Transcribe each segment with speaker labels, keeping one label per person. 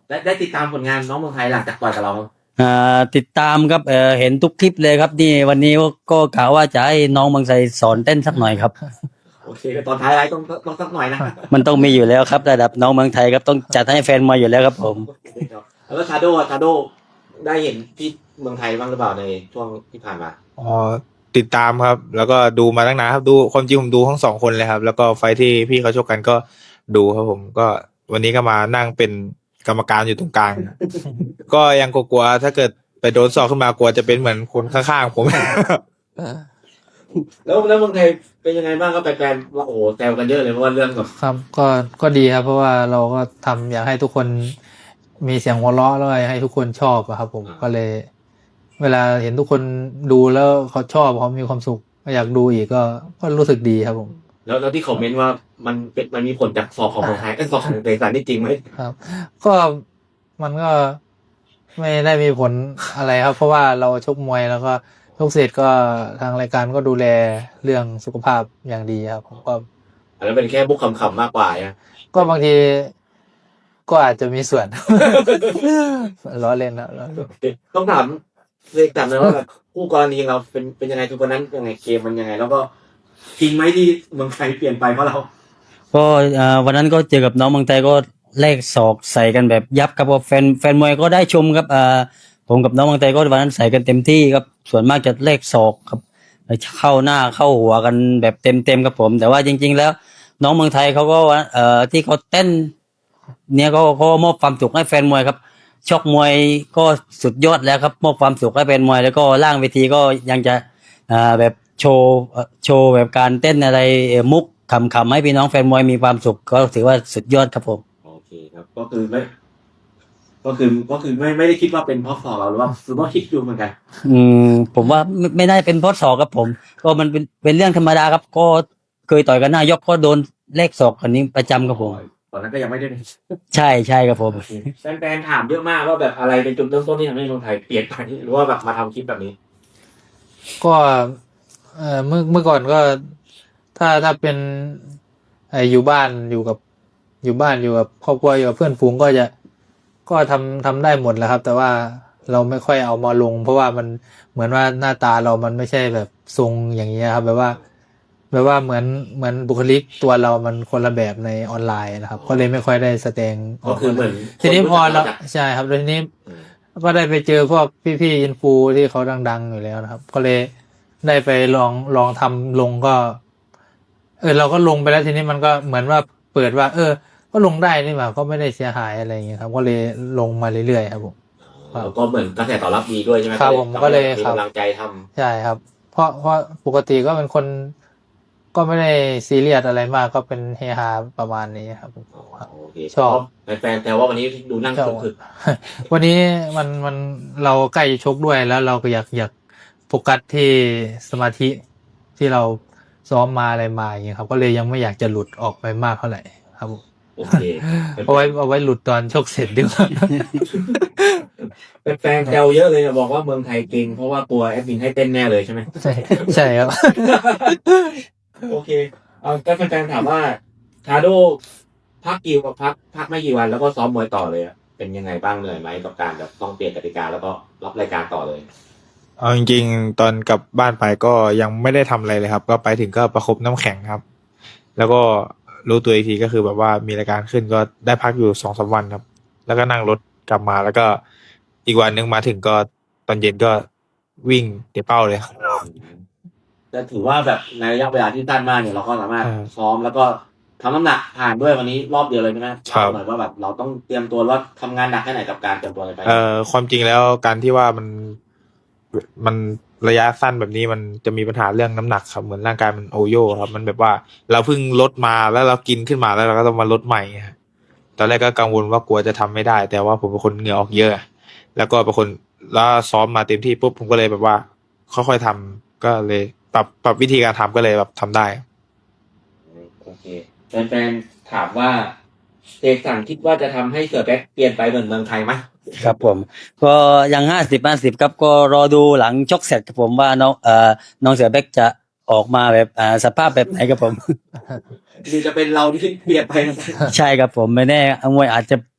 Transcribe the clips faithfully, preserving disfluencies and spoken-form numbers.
Speaker 1: ได้ได้ติดตามผลงานน้องเมืองไทยหลังจากต่อยกับเรา
Speaker 2: อ่าติดตามครับเออเห็นทุกคลิปเลยครับนี่วันนี้ก็กะว่าจะให้น้องบางไทรสอนเต้นสักหน่อยครับ
Speaker 1: โอเคตอนท้ายไลฟ์ต้องต้องสักหน่อยนะ
Speaker 2: มันต้องมีอยู่แล้วครับระดับน้องเมืองไทยครับต้องจัดให้แฟนมวยอยู่แล้วครับผม
Speaker 1: แล้วก็ชาโดชาโดได้เห็นที่เมืองไทยบ้างหรือเปล่าในช่วงที่ผ่านมา
Speaker 3: อ๋อติดตามครับ แล้วก็ดูมาตั้งนานครับดูความจริงผมดูทั้งสองคนเลยครับ แล้วก็ไฟท์ที่พี่เขาชกกันก็ดูครับผมก็วันนี้ก็มานั่งเป็นกรรมการอยู่ตรงกลาง ก็ยังกลัวๆถ้าเกิดไปโดนสอกขึ้นมากลัวจะเป็นเหมือนคนข้างๆผม
Speaker 1: แล้วแล้วเมืองไทยเป็นยังไงบ้างครับแฟนๆว่าโอ้แซวกันเยอะเลยเพราะว่าเรื่องแบบ
Speaker 4: ครับก็ก็ดีครับเพราะว่าเราก็ทำอยากให้ทุกคนมีเสียงหัวเราะแล้วก็อยากให้ทุกคนชอบอะครับผมก็เลย เวลาเห็นทุกคนดูแล้วเขาชอบเขามีความสุขก็อยากดูอีกก็ก็รู้สึกดีครับผม
Speaker 1: แล้วแล้วที่คอมเมนต์ว่ามันเป็นมันมีผลจากสอบของเมืองไทยไอ้ยสอบของเตสันนี่จริงไหม
Speaker 4: ครับ ก็มันก็ไม่ได้มีผลอะไรครับ เพราะว่าเราชกมวยแล้วก็ชกเสร็จก็ทางรายการก็ดูแลเรื่องสุขภาพอย่างดีครับผมก็
Speaker 1: อันนั้นเป็นแค่บุกคำๆมากกว่านะ
Speaker 4: ก็บางทีก็อาจจะมีส่วน ล้อเล่นนะล้อเล่น
Speaker 1: ต้องถามเอกถามเลยว่าแบบคู่กรณีเราเป็นเป็นยังไงคือวันนั้นยังไงเกมมันยังไง แล้วก็จริงไหมที่เมืองไทยเปลี่ยนไปเพราะเรา
Speaker 2: ก็อ่าวันนั้นก็เจอกับน้องเมืองไทยก็แลกศอกใส่กันแบบยับครับว่าแฟนแฟนมวยก็ได้ชมครับอ่าผมกับน้องเมืองไทยก็วันนั้นใส่กันเต็มที่ครับส่วนมากจะแลกศอกครับเข้าหน้าเข้าหัวกันแบบเต็มเต็มครับผม แต่ว่าจริง ๆ แล้ว น้องเมืองไทยเขาก็ว่าเอ่อที่เขาเต้น เนี่ยก็เขามอบความสุขให้แฟนมวยครับชกมวยก็สุดยอดแล้วครับมอบความสุขให้แฟนมวยแล้วก็ล่างเวทีก็ยังจะอ่าแบบโชว์เอ่อโชว์แบบการเต้นอะไรเอ่อมุกขำๆให้พี่น้องแฟนมวยมีความสุขก็ถือว่าสุดยอดครับผม
Speaker 1: โอเคครับ ก็คือไม่ ก็คือก็คือไม่ไม่ได้คิดว่าเป็นเพราะสอบเราหรือว่าคือว่าคิดดูเหมือนกัน
Speaker 2: อืมผมว่าไม่ไม่ได้เป็นเพราะศอกครับผม ก็มันเป็นเป็นเรื่องธรรมดาครับ ก็เคยต่อยกันหน้ายกก็โดนเลขศอกกันนี้ประจำครับผม
Speaker 1: ตอนนั้นก็ยังไม่ได้
Speaker 2: ใช่ใช่ครับผม
Speaker 1: แฟนๆถามเยอะมากว่าแบบอะไรเป็นจุดเริ่มต้นที่ทำให้เมืองไทยเปลี่ยนไปหรือว่าแบบมาทำคลิปแบบนี้
Speaker 4: ก็เอ่อเมื่อเมื่อก่อนก็ถ้าถ้าเป็นไออยู่บ้านอยู่กับอยู่บ้านอยู่กับครอบครัวอยู่กับเพื่อนฝูงก็จะก็ทำทำได้หมดแหล้วครับ แต่ว่าเราไม่ค่อยเอามาลง เพราะว่ามันเหมือนว่าหน้าตาเรามันไม่ใช่แบบทรงอย่างนี้ยครับแบบว่าแบบว่าเหมือนเหมือนบุคลิกตัวเรามันคนละแบบในออนไลน์นะครับ ก็เลยไม่ค่อยได้แสดง
Speaker 1: ก็คือเหมือน
Speaker 4: ทีนี้พอเรา
Speaker 1: คนรู้จัก
Speaker 4: ใช่ครับแล้วทีนี้
Speaker 1: อืม
Speaker 4: ก็ได้ไปเจอพวกพี่ๆอินฟูที่เขาดังๆอยู่แล้วนะครับ ก็เลยได้ไปลองลองทำลงก็ เออเราก็ลงไปแล้วทีนี้มันก็เหมือนว่าเปิดว่า เออ ก็ลงได้นี่หว่าก็ไม่ได้เสียหายอะไรอย่างเงี้ยครับ ก็เลยลงมาเรื่อยๆครับผม ครับ
Speaker 1: แล้วก็เหมือนกระแสตอบรับดีด้วยใช่ไหม
Speaker 4: ครับผมก็เลย
Speaker 1: มี
Speaker 4: ครับ
Speaker 1: กำลังใจทำ
Speaker 4: ใช่ครับ เพราะเพราะปกติก็เป็นคน ก็ไม่ได้ซีเรียสอะไรมากก็เป็นเฮฮาประมาณนี้ครับผมครับ
Speaker 1: โอเค
Speaker 4: ชอบ
Speaker 1: แฟนๆแต่ว่าวันนี้ดูนั่ง
Speaker 4: ชอบ
Speaker 1: คึก
Speaker 4: วันนี้มันมันเราใกล้จะชกด้วยแล้วเราก็อยากอยากโฟกัสที่สมาธิที่เราซ้อมมาอะไรมาอย่างเงี้ยครับ ก็เลยยังไม่อยากจะหลุดออกไปมากเท่าไหร่ครับผม
Speaker 1: ๆโอเค
Speaker 4: เอาไว้เอาไว้หลุดตอนชกเสร็จดีกว่า
Speaker 1: แฟนๆแซวเยอะเลยนะบอกว่าเมืองไทยเก่งเพราะว่ากลัวแอดมินให้เต้นแน่เลยใช่ไหม
Speaker 4: ใช่ใช่ครับ
Speaker 1: โอเคเอาก็แฟนๆถามว่าทาโดพักกี่วันพักพักไม่กี่วันแล้วก็ซ้อมมวยต่อเลยอะเป็นยังไงบ้างเหนื่อยไหมกับการแบบต้องเปลี่ยนกติกาแล้วก็รับรายการต่อเลย
Speaker 3: เอาจริงๆตอนกลับบ้านไปก็ยังไม่ได้ทำอะไรเลยครับ ก็ไปถึงก็ประคบน้ำแข็งครับ แล้วก็รู้ตัวอีกทีก็คือแบบว่ามีรายการขึ้นก็ได้พักอยู่สองสามวันครับ แล้วก็นั่งรถกลับมาแล้วก็อีกวันหนึงมาถึงก็ตอนเย็นก็วิ่งเตะเป้าเลยครับ
Speaker 1: จะถือว่าแบบในระยะเวลาที่สั้นมากเนี่ยเราก็สามารถ
Speaker 3: ครับ
Speaker 1: ซ้อมแล้วก็ทำน้ำหนักผ่านด้วยวันนี้รอบเดียวเลยใช่ไหม
Speaker 3: ครับ
Speaker 1: เหมือนว่าแบบเราต้องเตรียมตัวว่าทำงานหนักแค่ไหนกับการเตรียมตัวอะไรไป
Speaker 3: เอ่อความจริงแล้วการที่ว่ามันมันระยะสั้นแบบนี้มันจะมีปัญหาเรื่องน้ำหนักครับเหมือนร่างกายมันโอโย่ครับมันแบบว่าเราเพิ่งลดมาแล้วเรากินขึ้นมาแล้วเราก็ต้องมาลดใหม่ฮะตอนแรกก็กังวลว่ากลัวจะทำไม่ได้ แต่ว่าผมเป็นคนเหงื่อออกเยอะ แล้วก็เป็นคนแล้วซ้อมมาเต็มที่ปุ๊บผมก็เลยแบบว่า ค่อยๆทำก็เลยปรับปรับวิธีการทำก็เลยแบบทำได้
Speaker 1: โอเคแฟนๆถามว่าเสกสรรคิดว่าจะทำให้เสือแบ็คเปลี่ยนไปเหมือนเมืองไทยไหม
Speaker 2: ครับผม ก็ยังห้าสิบห้าสิบครับก็รอดูหลังชกเสร็จครับผมว่าน้องเอ่อน้องเสือแบ็กจะออกมาแบบอ่าสภาพแบบไหนครับผม
Speaker 1: หรือจะเป็นเราที่เปลี่ยนไปนะ
Speaker 2: ใช่ครับผมไม่แน่มวยอาจจะ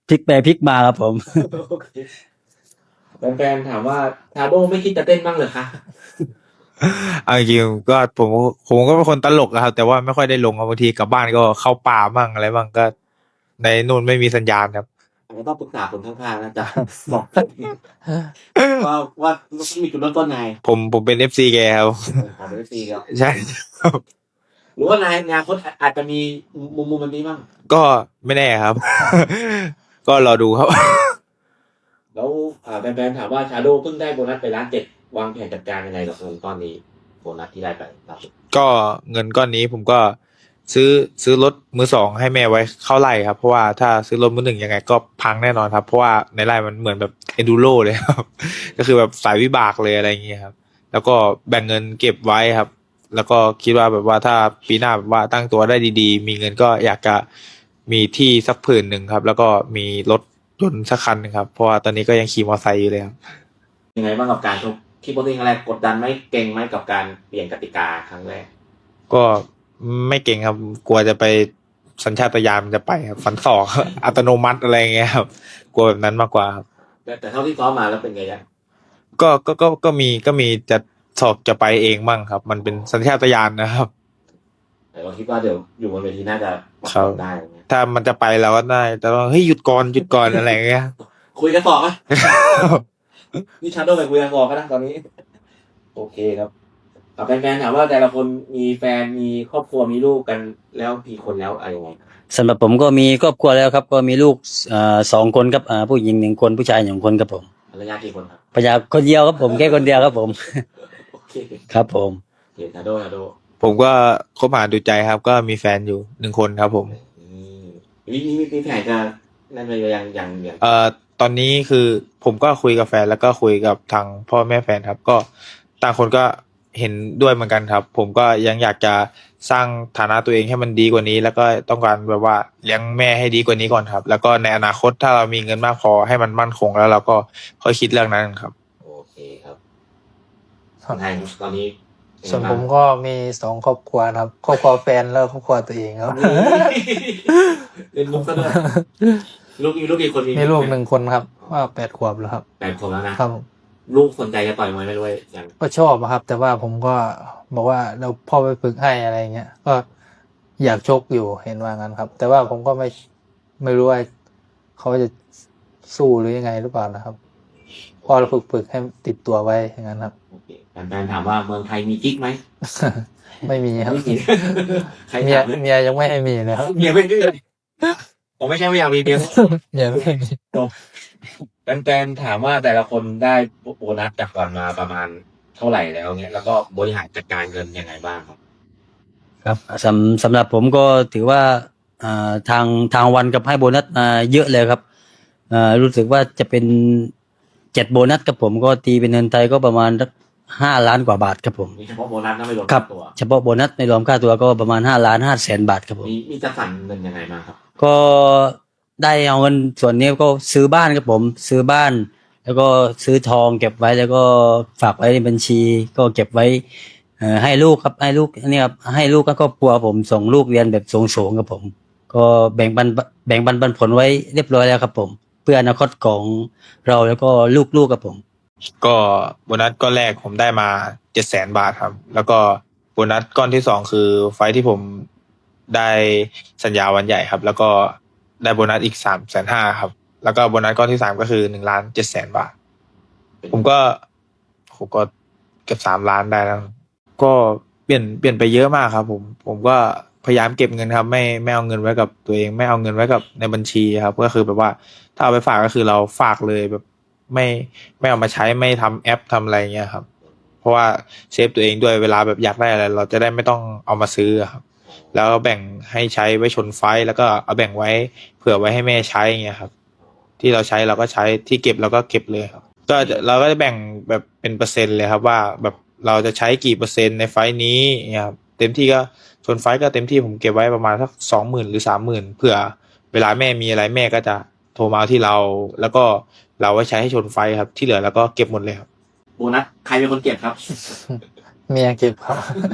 Speaker 2: พลิกไปพลิกมาครับผม
Speaker 1: โอเคแฟนๆถามว่าทาโดไม่คิดจะเต้นบ้างเหรอคะ
Speaker 3: เอาจริงๆก็ผมผมก็เป็นคนตลกอะครับ แต่ว่าไม่ค่อยได้ลงครับบางทีกลับบ้านก็เข้าป่ามั่งอะไรมั่งก็ ในนู่นไม่มีสัญญาณครับ
Speaker 1: อาจจะต้องปรึกษาคนข้างๆนะจ๊ะ บอกว่าว่ามีจุดเริ่มต้นไง
Speaker 3: ผมผมเป็นเอฟซีแกครับ
Speaker 1: ขอเป็นซีครับ
Speaker 3: ใช่
Speaker 1: หรือว่านายงานคนอาจจะมีมุมมุมแบบนี้บ้าง
Speaker 3: ก็ไม่แน่ครับ ก็รอดูครับ
Speaker 1: แล้วอ่าแฟนๆถามว่าชาโดเพิ่งได้โบนัสไปล้านเจ็ดวางแผนจัดการยังไงกับเงินก้อนนี้โบนัสที่ได้ไปล่าสุด
Speaker 3: ก็เงินก้อนนี้ผมก็ซื้อซื้อรถมือสองให้แม่ไว้เข้าไร่ครับ เพราะว่าถ้าซื้อรถมือหนึ่งยังไงก็พังแน่นอนครับ เพราะว่าในไร่มันเหมือนแบบเอนดูโรเลยครับ ก็คือแบบสายวิบากเลยอะไรอย่างเงี้ยครับ แล้วก็แบ่งเงินเก็บไว้ครับ แล้วก็คิดว่าแบบว่าถ้าปีหน้าแบบว่าตั้งตัวได้ดีๆ มีเงินก็อยากจะมีที่สักผืนหนึ่งครับ แล้วก็มีรถยนต์สักคันหนึงครับ เพราะว่าตอนนี้ก็ยังขี่มอเตอร์ไซค์อยู่เลยครับ
Speaker 1: ยังไงบ้างกับการชกคิดว่าตัวเองอะไรกดดันไหมเก่งไหมกับการเปลี่ยนกติกาครั้งแรก
Speaker 3: ก็ไม่เก่งครับ กลัวจะไปสัญชาตญาณมันจะไปครับฟันศอก อัตโนมัติอะไรอย่างเงี้ยครับ กลัวแบบนั้นมากกว่าครับ
Speaker 1: แต่แต่เท่าที่ซ้อมมาแล้วเป็นไงยัง
Speaker 3: ก็ก็ก็ก็มีก็มีจะสอบจะไปเองบ้างครับ มันเป็นสัญชาตญาณนะครับ
Speaker 1: แต่เราคิดว่าเดี๋ยวอยู่บนเวทีน่าจะปรับ
Speaker 3: ครับ
Speaker 1: ตัวได้อะไรเงี้ย
Speaker 3: ถ้ามันจะไปเราก็ได้แต่ว่าเฮ้ยหยุดก่อนหยุดก่อนอะไรอย่างเงี้ย
Speaker 1: คุยกันต่อไหม นี่ชาโดไปคุยกันต่อก็ได้ตอนนี้ โอเคครับอ่าแฟนๆถามว่าแต่ละคนมีแฟนมีครอบครัวมีลูกกันแล้วกี่คนแล้วอะไรยังไง
Speaker 2: สำหรับผมก็มีครอบครัวแล้วครับ ก็มีลูกเอ่อสองคนครับอ่าผู้หญิงหนึ่งคนผู้ชายหนึ่งคนครับผม
Speaker 1: ภรรยากี่คนครับ
Speaker 2: พยาคนเดียวครับผมแค่คนเดียวครับผม
Speaker 1: โอเค
Speaker 2: ครับผม
Speaker 1: โอเคชาโดชาโด
Speaker 3: ผมก็คบหาดูใจครับ ก็มีแฟนอยู่หนึ่งคนครับผม
Speaker 1: อืมมีมีมีแผนจะนั่นไปยังยังยัง
Speaker 3: เอ่อตอนนี้คือผมก็คุยกับแฟนแล้วก็คุยกับทางพ่อแม่แฟนครับ ก็ต่างคนก็เห็นด้วยเหมือนกันครับ ผมก็ยังอยากจะสร้างฐานะตัวเองให้มันดีกว่านี้ แล้วก็ต้องการแบบว่าเลี้ยงแม่ให้ดีกว่านี้ก่อนครับ แล้วก็ในอนาคตถ้าเรามีเงินมากพอให้มันมั่นคงแล้วเราก็ค่อยคิดเรื่องนั้นครับ
Speaker 1: โอเคครับคนไทยตอนนี้
Speaker 4: ส่วนผมก็มีสองครอบครัวนะครับครอบครัวแฟนแล้วก็ครอบครัวตัวเองครับ
Speaker 1: เป็นมุกซะด้วยลูกมีลูกกี่คน
Speaker 4: มีลูกหนึ่งคนครับ ว่าแปดขวบแล้วครับ
Speaker 1: แปดคนแล้วนะครับ
Speaker 4: ผม
Speaker 1: ลูกสนใจจะต่อยมวยไหมด้วยยัง
Speaker 4: ก็ชอบอะครับ แต่ว่าผมก็บอกว่าเราพ่อไปฝึกให้อะไรเงี้ยก็อยากชกอยู่เห็นว่างั้นครับ แต่ว่าผมก็ไม่ไม่รู้ว่าเขาจะสู้หรือยังไงหรือเปล่านะครับพอเราฝึกฝึกให้ติดตัวไว้อย่างนั้นครับ
Speaker 1: โอเคแฟนๆถามว่าเมืองไทยมีกิ๊กไหม
Speaker 4: ไม่มีครับ
Speaker 1: ไม่มี ใคร
Speaker 4: เมีย
Speaker 1: ถามเนี่ย
Speaker 4: เมียยังไม่ให้มีนะครับ
Speaker 1: เมียไม่ดื้อเลยผมไม่ใช่ไม่อยากมีเมีย
Speaker 4: เมียไม่ให้มี
Speaker 1: แฟนๆถามว่าแต่ละคนได้โบนัสจากก่อนมาประมาณเท่าไหร่แล้วเนี่ยแล้วก็บริหารจัดการเงินยังไงบ้างครับ
Speaker 2: ครับสำสำหรับผมก็ถือว่าอ่าทางทางวันกับให้โบนัสมาเยอะเลยครับอ่ารู้สึกว่าจะเป็นเจ็ดโบนัสกับผมก็ตีเป็นเงินไทยก็ประมาณห้าล้านกว่าบาทครับผม
Speaker 1: มีเฉพาะโบนัสนะไม่รวม
Speaker 2: ครับ
Speaker 1: ตัว
Speaker 2: เฉพาะโบนัสไม่รวมค่าตัวก็ประมาณห้าล้านห้าแสนบาทครับผม
Speaker 1: มีมีจัดสรรเงินยังไงบ้างครับ
Speaker 2: ก็ได้เอาเงินส่วนนี้ก็ซื้อบ้านครับผม ซื้อบ้าน แล้วก็ซื้อทองเก็บไว้แล้วก็ฝากไว้ในบัญชี ก็เก็บไว้เอ่อให้ลูกครับให้ลูกนี่ครับให้ลูกก็ครอบครัวผมส่งลูกเรียนแบบสูงๆครับผม ก็แบ่งปันแบ่งปันปันผลไว้เรียบร้อยแล้วครับผม เพื่ออนาคตของเราแล้วก็ลูกๆครับผม
Speaker 3: ก็โบนัสก้อนแรกผมได้มาเจ็ดแสนบาทครับ แล้วก็โบนัสก้อนที่สองคือไฟท์ที่ผมได้สัญญาวันใหญ่ครับ แล้วก็ได้โบนัสอีกสามแสนห้าครับ แล้วก็โบนัสก้อนที่สามก็คือหนึ่งล้านเจ็ดแสนบาท ผมก็ผมก็เกือบสามล้านได้แล้ว ก็เปลี่ยนเปลี่ยนไปเยอะมากครับ ผม ผมก็พยายามเก็บเงินครับ ไม่ไม่เอาเงินไว้กับตัวเอง ไม่เอาเงินไว้กับในบัญชีครับ ก็คือแบบว่าถ้าเอาไปฝากก็คือเราฝากเลยแบบ ไม่ไม่เอามาใช้ไม่ทำแอปทำอะไรเงี้ยครับ เพราะว่าเซฟตัวเองด้วยเวลาแบบอยากได้อะไรเราจะได้ไม่ต้องเอามาซื้อครับ แล้วแบ่งให้ใช้ไว้ชนไฟแล้วก็เอาแบ่งไว้เผื่อไว้ให้แม่ใช้เงี้ยครับ ที่เราใช้เราก็ใช้ที่เก็บเราก็เก็บเลยครับ ก็เราก็จะแบ่งแบบเป็นเปอร์เซ็นต์เลยครับ ว่าแบบเราจะใช้กี่เปอร์เซ็นต์ในไฟล์นี้เนี่ยครับเต็มที่ก็ชนไฟล์ก็เต็มที่ผมเก็บไว้ประมาณสักสองหมื่นหรือสามหมื่นเผื่อเวลาแม่มีอะไรแม่ก็จะโทรมาที่เรา แล้วก็เราไว้ใช้ให้ชนไฟครับที่เหลือแล้วก็เก็บหมดเลยครับ
Speaker 1: โบนัสใครเป็นคนเก็บครับ
Speaker 4: เมียเก็บครับ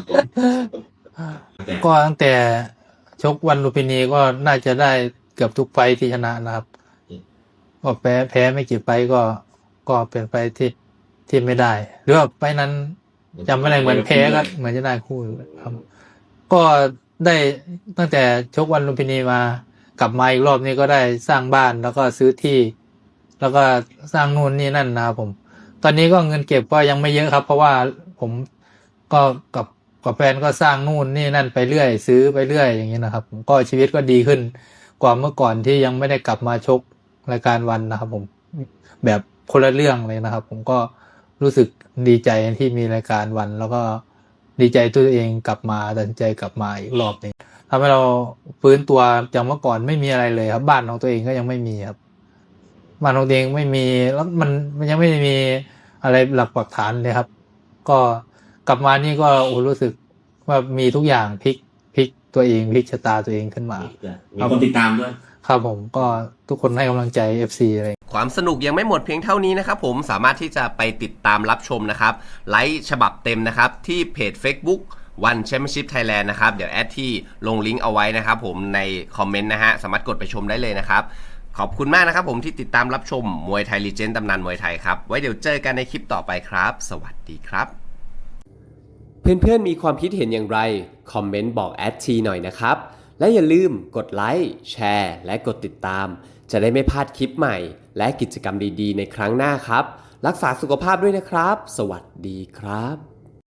Speaker 4: ก็ตั้งแต่ชกวันลุมพินีก็น่าจะได้เกือบทุกไฟท์ที่ชนะนะครับก็แพ้แพ้ไม่กี่ไฟต์ก็ก็เป็นไฟต์ที่ที่ไม่ได้ หรือว่าไฟต์นั้นจำไม่ได้เหมือนแพ้ก็เหมือนจะได้คู่อยู่ครับ ก็ได้ตั้งแต่ชกวันลุมพินีมากลับมาอีกรอบนี้ก็ได้สร้างบ้านแล้วก็ซื้อที่ แล้วก็สร้างนู่นนี่นั่นนะครับผม ตอนนี้ก็เงินเก็บก็ยังไม่เยอะครับ เพราะว่าผมก็กับกับแฟนก็สร้างนู่นนี่นั่นไปเรื่อย ซื้อไปเรื่อยอย่างนี้นะครับผมก็ชีวิตก็ดีขึ้นกว่าเมื่อก่อนที่ยังไม่ได้กลับมาชกรายการวันนะครับผมแบบคนละเรื่องเลยนะครับ ผมก็รู้สึกดีใจที่มีรายการวัน แล้วก็ดีใจตัวเองกลับมาตัดสินใจกลับมาอีกรอบหนึงทำให้เราฟื้นตัวจากเมื่อก่อนไม่มีอะไรเลยครับ บ้านของตัวเองก็ยังไม่มีครับ บ้านของตัวเองไม่มีแล้วมันมันยังไม่มีอะไรหลักปักฐานเลยครับ ก็กลับมานี่ก็โอ้รู้สึกว่ามีทุกอย่างพลิกพลิกตัวเองพลิกชะตาตัวเองขึ้นมา
Speaker 1: มีคนติดตามด้วย
Speaker 4: ครับผมก็ทุกคนให้กำลังใจ เอฟ ซี อะไร
Speaker 5: ความสนุกยังไม่หมดเพียงเท่านี้นะครับผมสามารถที่จะไปติดตามรับชมนะครับไลฟ์ฉบับเต็มนะครับที่เพจ Facebook One Championship Thailand นะครับเดี๋ยวแอดที่ลงลิงก์เอาไว้นะครับผมในคอมเมนต์นะฮะสามารถกดไปชมได้เลยนะครับขอบคุณมากนะครับผมที่ติดตามรับชมมวยไทยลีเจนด์ตำนานมวยไทยครับไว้เดี๋ยวเจอกันในคลิปต่อไปครับ สวัสดีครับ เพื่อนๆมีความคิดเห็นอย่างไรคอมเมนต์บอกแอดทีหน่อยนะครับและอย่าลืมกดไลค์แชร์และกดติดตามจะได้ไม่พลาดคลิปใหม่และกิจกรรมดีๆในครั้งหน้าครับรักษาสุขภาพด้วยนะครับสวัสดีครับ